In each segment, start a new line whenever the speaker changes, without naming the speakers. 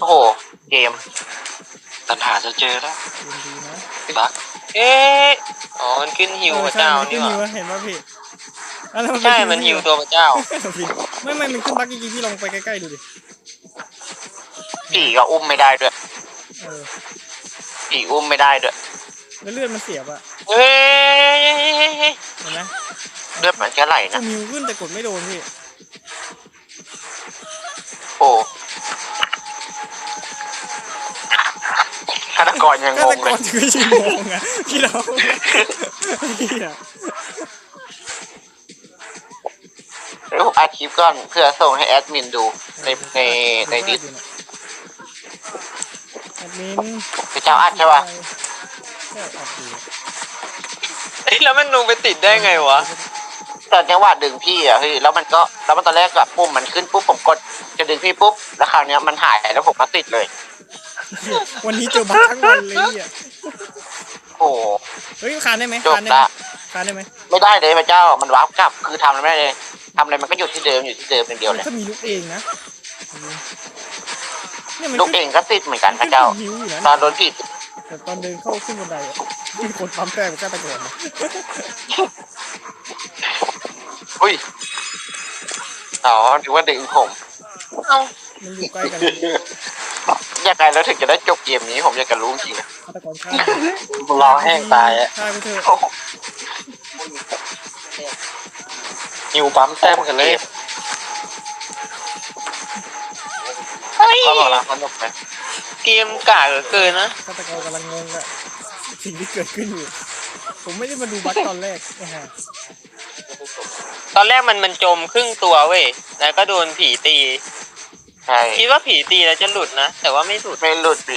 อ้โหเกม
ตันหาจะเจอแล้ว
ดีนะ
บัก
อ๋อมันขึ้นฮิวพระ
ใช่
เจ้า
มันขึ้
นี่
น
หว่า
ฮิวเห็นป่ะพี่แล้วมัน
ใช่มันฮิวตัวพระเจ้า
ไม่มันขึ้นบักจริงๆพี่ลองไปใกล้ๆดูดิ
ผีก็อุ้มไม่ได้ด้วย
เออ
ผีอุ้มไม่ได้ด้วย
แล้วเลือดมันเสียบอะ
เฮ้ย
เห็นไหม
เลือดมันแค่ไหล
ก็
นะ
มิวขึ้นแต่กดไม่โดนพี่
โอ้ฆาตกรยัง
ก็
ง
แต่
ง
ก่
เล
อน
ย
จะไม่ใช่งงอะพี่เราพี่อะ
เดี๋ยวผมอัดคลิปก่อนเพื่อส่งให้แอดมินดูในดิส
แอดมิน
พระเจ้าอัดใช่ป่ะ
ใช่อัดอยู่
แล้วมันลงไปติดได้ไงวะตอนจังหวะดึงพี่อ่ะพี่แล้วมันตอนแรกแบบปุ่มมันขึ้นปุ๊บผมกดจะดึงพี่ปุ๊บแล้วคราวนี้มันหายแล้วผมก็ติดเลย
วันนี้เจอบักทั้งวันเลยอ่ะ
โอ้
เฮ้ยคานได้ไหม
จบ
คานได้ไหม
ละ
คานได้ไหม
ไม่ได้เลยพระเจ้ามันวาร์ปกลับคือทำอะไรไม่ได้เลยทำอะไรมันก็อยู่ที่เดิมอย่างเดียวเลย
ถ้ามีลูกเองนะเนี่ยมัน
ลูกเองก็ติดเหมือนกันพระเจ้า
หิวอยู่นะ
ตอนโดนผิด
แต่ตอนเดินเข้าขึ้นบันไดมีคนปั๊มแป้งก็ตะโกน
อุ้ยอ๋อถือว่าดึงผมเอ้า
มันอยู่ใกล้กัน
อยากไงแล้วถึงจะได้จบเกมนี้ผมอยากจะรู้จริงนะ
ฆาตกรฆ่าร
อแห้งตายอ่ะ
ฆ่าไปเถอะ
โอ้โห
หิวปั๊มแต้มกันเลย
ก็บอกแล้วสนุกไหมเกมกากเหลือเกินนะ
ฆาตกรกำลังงงอะสิ่งที่เกิดขึ้นอยู่ผมไม่ได้มาดูบัคตอนแรกนะฮะ
ตอนแรกมันจมครึ่งตัวเว้ยแล้วก็โดนผีตีใช่คิดว่าผีตีแล้วจะหลุดนะแต่ว่าไม่หลุดดิ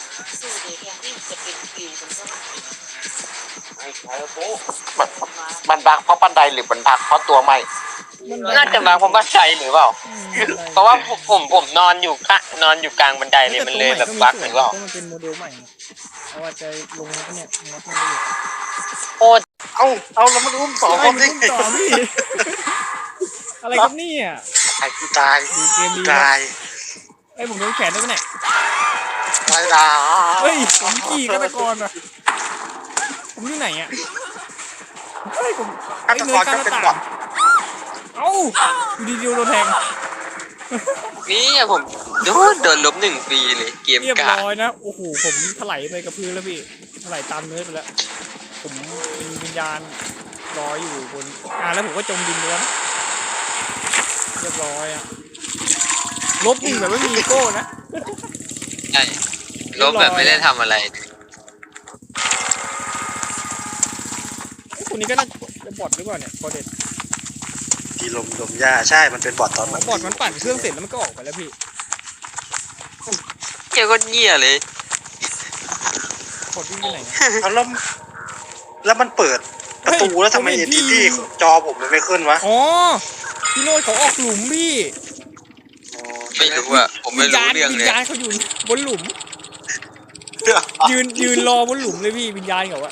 มันบักเพราะบันไดหรือมันบักเพราะตัวใหม่น่าจะบักเพราะบันไดหรือเปล่าเพราะว่าผมนอนอยู่กลางบันไดเลยมันเลยแบบบักหรือเปล่า
มันเป็นโมเดลใหม่เอาว่าจะลงเนี่ยมดมันเลย
โอ้
เอาแล้วมันอุ้มสอง
อะ
ค
ไร
น
มัน
ได้
ต่อพี่อะไรครับนี่อ่ะ
ไอ้กูตาย
ดูเกมดี
ตาย
ไอ้ผมโดนแขนด้วยเนี่ย
ตายดา
เฮ้ยผมขี่ฆาตกรอ่ะผมอยู่ไหนอ่ะเฮ้ยผม
ฆาตกรก็เป็นบอท
เอ้าอยู่ดีๆโดนแทง
นี่ผมโดนลบ1 ปีเลยเกม
เรียบ
กาก
ร้อยนะโอ้โหผมถลายไปกับพื้นแล้วพี่ถลายตามเนื้อไปแล้วผมมีวิญญาณลอยอยู่บนแล้วผมก็จมดินล้วนเรียบร้อยอ่ะลบหนึ่งแบบไม่มีอีโก้นะ
ใช่ลบแบบไม่ได้ทำอะไร
ไอ้คนนี้ก็น่าจะบอทหรือเปล่าเนี่ยบอทเด็ด
ทีลมหญ้าใช่มันเป็นบอทตอน
บอทมันปั่นเครื่องเสร็จแล้วมันก็ออกไปแล้วพี่
เกี่ยวก็เงี้ยเลย
บอทวิ่งไปไหน
เอาแล้วมันเปิดประตูแล้วทำไมเอ็นทีที่จอผมมันไม่ขึ้นวะ
อ๋อพี่โน้ตเขาออกหลุมพี่
ไม่รู้อ่ะผมไม่รู้เรื่อง
วิ
เล
ญ
ย
ญาณเขาอยู่บนหลุม ยืนรอบนหลุมเลยพี่วิญญาณเขาอะ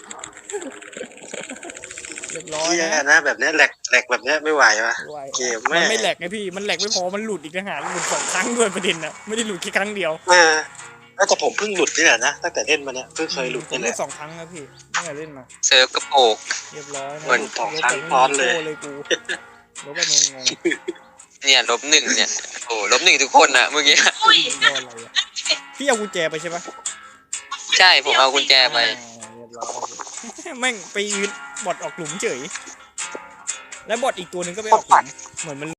เรียบร้อย
เฮีย
นะ
นะแบบเนี้ยแหลกแบบเนี้ยไม่ไหววะ
ไหว
เกม
มั
แม่
นไม่แหลกไงพี่มันแหลกไม่พอมันหลุดอีกต่างหากหลุด2 ครั้งด้วยประเด็นนะไม่ได้หลุดแค่ครั้งเดียว
แต่ผมเพิ่งหลุดนี่แหละนะตั้งแต่เล่นมาเนี้ยเพิ่งเคยหลุด
ผม
นี่แห
เล่
ละ
น2 ครั้งแล้วพี่ตั้งแต่เล่นมา
เซิร์ฟกระโปก
เรียบร้อยนะ
เหมือน
2 ครั้งซ้อนเลย
เลยกูลบแบบงง
เนี่ยลบ 1เนี่ยโอ้ลบ 1ทุกคนนะเมื่อกี้
ๆโดนอะไรอะพี่เอากุญแจไปใช่ปะ
ใช่ผมเอากุญแจไป
เรียบร้อยแม่งไปยืนบอทออกหลุมเฉยแล้วบอทอีกตัวหนึ่งก็ไปออกหลุมเหมือนมัน